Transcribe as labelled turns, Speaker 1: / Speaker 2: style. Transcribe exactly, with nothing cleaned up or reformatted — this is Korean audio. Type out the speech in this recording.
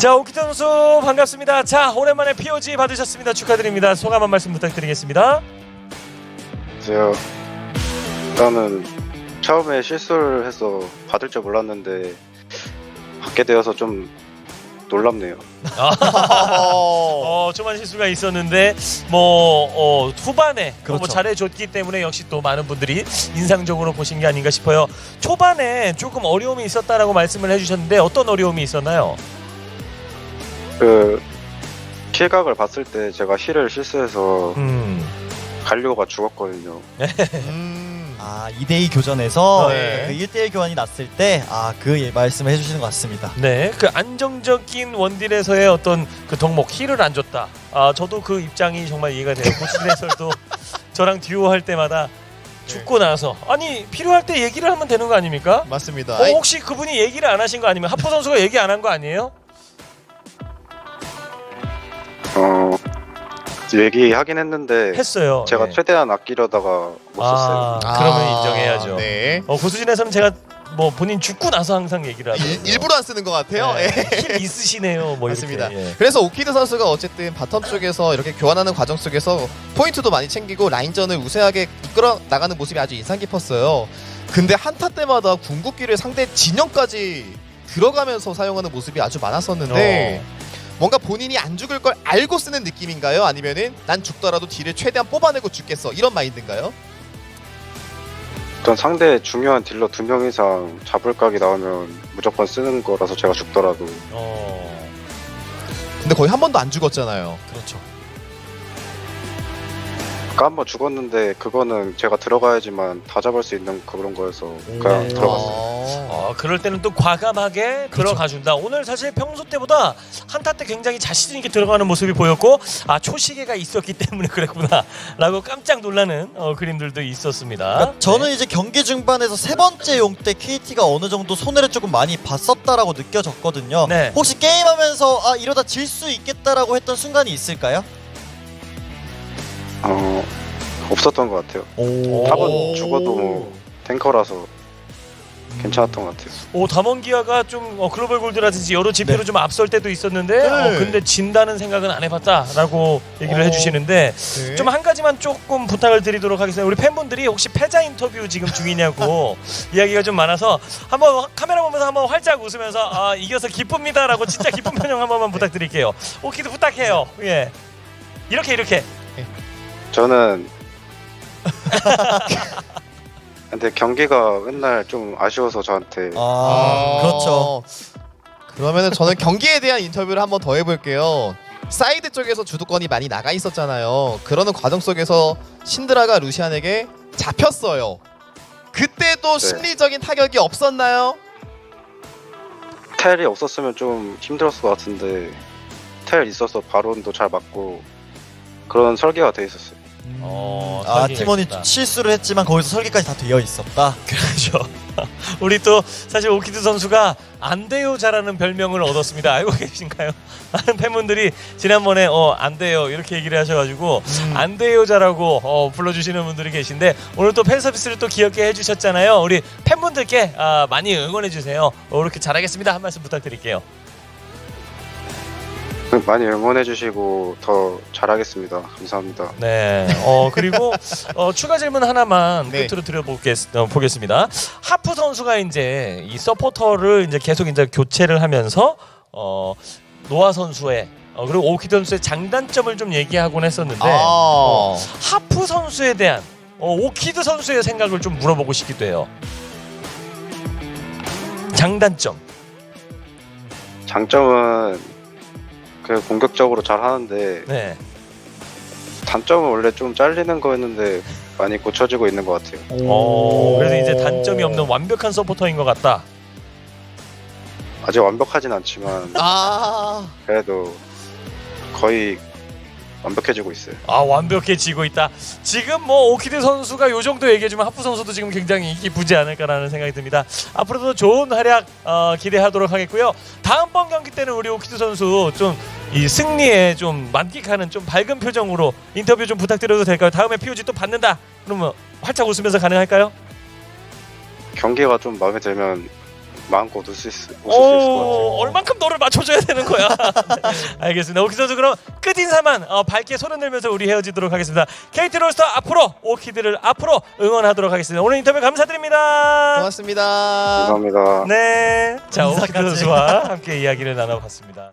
Speaker 1: 자, 오키드 선수 반갑습니다. 자, 오랜만에 피오지 받으셨습니다. 축하드립니다. 소감 한 말씀 부탁드리겠습니다.
Speaker 2: 안녕하세요. 일단은 처음에 실수를 해서 받을 줄 몰랐는데 받게 되어서 좀 놀랍네요.
Speaker 1: 어, 조만 실수가 있었는데 뭐 어, 후반에
Speaker 3: 그렇죠.
Speaker 1: 뭐 잘해줬기 때문에 역시 또 많은 분들이 인상적으로 보신 게 아닌가 싶어요. 초반에 조금 어려움이 있었다라고 말씀을 해주셨는데 어떤 어려움이 있었나요?
Speaker 2: 그 킬각을 봤을 때 제가 힐을 실수해서
Speaker 1: 음,
Speaker 2: 갈리오가 죽었거든요.
Speaker 3: 음. 아, 이 대 이 교전에서
Speaker 1: 네.
Speaker 3: 그 일 대 일 교환이 났을 때 아, 그 말씀을 해주시는 것 같습니다.
Speaker 1: 네, 그 안정적인 원딜에서의 어떤 그 덕목 힐을 안 줬다. 아, 저도 그 입장이 정말 이해가 돼요. 고시진 해설도 저랑 듀오 할 때마다 죽고 나서 아니 필요할 때 얘기를 하면 되는 거 아닙니까?
Speaker 4: 맞습니다.
Speaker 1: 어,
Speaker 4: 아이,
Speaker 1: 혹시 그분이 얘기를 안 하신 거 아니면 하프 선수가 얘기 안 한 거 아니에요?
Speaker 2: 어 얘기하긴 했는데
Speaker 1: 했어요.
Speaker 2: 제가
Speaker 1: 네.
Speaker 2: 최대한 아끼려다가 못 썼어요.
Speaker 1: 아, 그러면 인정해야죠.
Speaker 4: 네.
Speaker 1: 어, 고수진에서는 제가 뭐 본인 죽고 나서 항상 얘기를 하거든요.
Speaker 4: 일, 일부러 안 쓰는 것 같아요.
Speaker 1: 네,
Speaker 4: 예.
Speaker 1: 힐 있으시네요. 뭐
Speaker 4: 맞습니다.
Speaker 1: 이렇게. 예.
Speaker 4: 그래서 오키드 선수가 어쨌든 바텀 쪽에서 이렇게 교환하는 과정 속에서 포인트도 많이 챙기고 라인전을 우세하게 이끌어 나가는 모습이 아주 인상 깊었어요. 근데 한타 때마다 궁극기를 상대 진영까지 들어가면서 사용하는 모습이 아주 많았었는데
Speaker 1: 어.
Speaker 4: 뭔가 본인이 안 죽을 걸 알고 쓰는 느낌인가요? 아니면은 난 죽더라도 딜을 최대한 뽑아내고 죽겠어 이런 마인드인가요?
Speaker 2: 일단 상대 중요한 딜러 두 명 이상 잡을 각이 나오면 무조건 쓰는 거라서 제가 죽더라도
Speaker 1: 어,
Speaker 4: 근데 거의 한 번도 안 죽었잖아요.
Speaker 1: 그렇죠.
Speaker 2: 아까 한 번 죽었는데 그거는 제가 들어가야지만 다 잡을 수 있는 그런 거여서 그냥
Speaker 1: 네.
Speaker 2: 들어갔어요.
Speaker 4: 어.
Speaker 1: 어, 그럴 때는 또 과감하게 들어가준다. 오늘 사실 평소 때보다 한타 때 굉장히 자신 있게 들어가는 모습이 보였고 아 초시계가 있었기 때문에 그랬구나라고 깜짝 놀라는 어, 그림들도 있었습니다.
Speaker 3: 그러니까 저는 이제 경기 중반에서 세 번째 용 때 케이티가 어느 정도 손해를 조금 많이 봤었다라고 느껴졌거든요.
Speaker 1: 네.
Speaker 3: 혹시 게임하면서 아, 이러다 질 수 있겠다라고 했던 순간이 있을까요?
Speaker 2: 어 없었던 것 같아요.
Speaker 3: 오.
Speaker 2: 탑은 죽어도 뭐 탱커라서 괜찮았던 것 같아요.
Speaker 1: 오 담원기아가 좀 어, 글로벌 골드라든지 여러 지표로
Speaker 3: 네.
Speaker 1: 좀 앞설 때도 있었는데
Speaker 4: 네.
Speaker 1: 어, 근데 진다는 생각은 안 해봤다라고 얘기를
Speaker 4: 어.
Speaker 1: 해주시는데
Speaker 4: 네.
Speaker 1: 좀 한 가지만 조금 부탁을 드리도록 하겠습니다. 우리 팬분들이 혹시 패자 인터뷰 지금 중이냐고 이야기가 좀 많아서 한번 카메라 보면서 한번 활짝 웃으면서 아 이겨서 기쁩니다라고 진짜 기쁜 표정 한 번만 부탁드릴게요. 오키도 부탁해요. 예 이렇게 이렇게.
Speaker 2: 저는 근데 경기가 맨날 좀 아쉬워서 저한테
Speaker 3: 아, 그렇죠.
Speaker 4: 그러면은 저는 경기에 대한 인터뷰를 한번 더 해볼게요. 사이드 쪽에서 주도권이 많이 나가 있었잖아요. 그러는 과정 속에서 신드라가 루시안에게 잡혔어요. 그때도
Speaker 2: 네.
Speaker 4: 심리적인 타격이 없었나요?
Speaker 2: 텔이 없었으면 좀 힘들었을 것 같은데 텔 있어서 바론도 잘 맞고 그런 설계가 돼 있었어요.
Speaker 1: 어,
Speaker 3: 아,
Speaker 1: 설계가
Speaker 3: 팀원이
Speaker 1: 있었다.
Speaker 3: 실수를 했지만 거기서 설계까지 다 되어 있었다.
Speaker 1: 그렇죠. 우리 또 사실 오키드 선수가 안 돼요 잘하는 별명을 얻었습니다. 알고 계신가요? 많은 팬분들이 지난번에 어, 안 돼요 이렇게 얘기를 하셔가지고
Speaker 4: 음.
Speaker 1: 안 돼요 잘하고 어, 불러주시는 분들이 계신데 오늘 또 팬 서비스를 또 귀엽게 해주셨잖아요. 우리 팬분들께 아, 많이 응원해주세요. 어, 이렇게 잘하겠습니다 한 말씀 부탁드릴게요.
Speaker 2: 많이 응원해주시고 더 잘하겠습니다. 감사합니다.
Speaker 1: 네. 어 그리고 어, 추가 질문 하나만
Speaker 4: 네.
Speaker 1: 끝으로 드려보겠 어, 보겠습니다. 하프 선수가 이제 이 서포터를 이제 계속 이제 교체를 하면서 어 노아 선수의 어, 그리고 오키드 선수의 장단점을 좀 얘기하곤 했었는데
Speaker 4: 아.
Speaker 1: 어, 하프 선수에 대한 어, 오키드 선수의 생각을 좀 물어보고 싶기도 해요. 장단점.
Speaker 2: 장점은 그 공격적으로 잘 하는데
Speaker 1: 네.
Speaker 2: 단점은 원래 좀 잘리는 거였는데 많이 고쳐지고 있는 것 같아요.
Speaker 1: 어 그래서 이제 단점이 없는 완벽한 서포터인 것 같다.
Speaker 2: 아직 완벽하진 않지만
Speaker 4: 아.
Speaker 2: 그래도 거의 완벽해지고 있어요.
Speaker 1: 아 완벽해지고 있다. 지금 뭐 오키드 선수가 요 정도 얘기해주면 하프 선수도 지금 굉장히 기쁘지 않을까라는 생각이 듭니다. 앞으로도 좋은 활약 어, 기대하도록 하겠고요. 다음번 경기 때는 우리 오키드 선수 좀 이 승리에 좀 만끽하는 좀 밝은 표정으로 인터뷰 좀 부탁드려도 될까요? 다음에 피오지 또 받는다. 그러면 활짝 웃으면서 가능할까요?
Speaker 2: 경기가 좀 마음에 들면 마음껏 웃을 수, 있, 웃을 수 있을 것 같아요.
Speaker 1: 오, 얼만큼 너를 맞춰줘야 되는 거야. 알겠습니다. 오키드 선수 그럼 끝인사만 어, 밝게 손을 들면서 우리 헤어지도록 하겠습니다. 케이티 롤스터 앞으로 오키드를 앞으로 응원하도록 하겠습니다. 오늘 인터뷰 감사드립니다.
Speaker 4: 고맙습니다.
Speaker 2: 감사합니다.
Speaker 1: 네, 자 오키드
Speaker 3: 인사까지.
Speaker 1: 선수와 함께 이야기를 나눠봤습니다.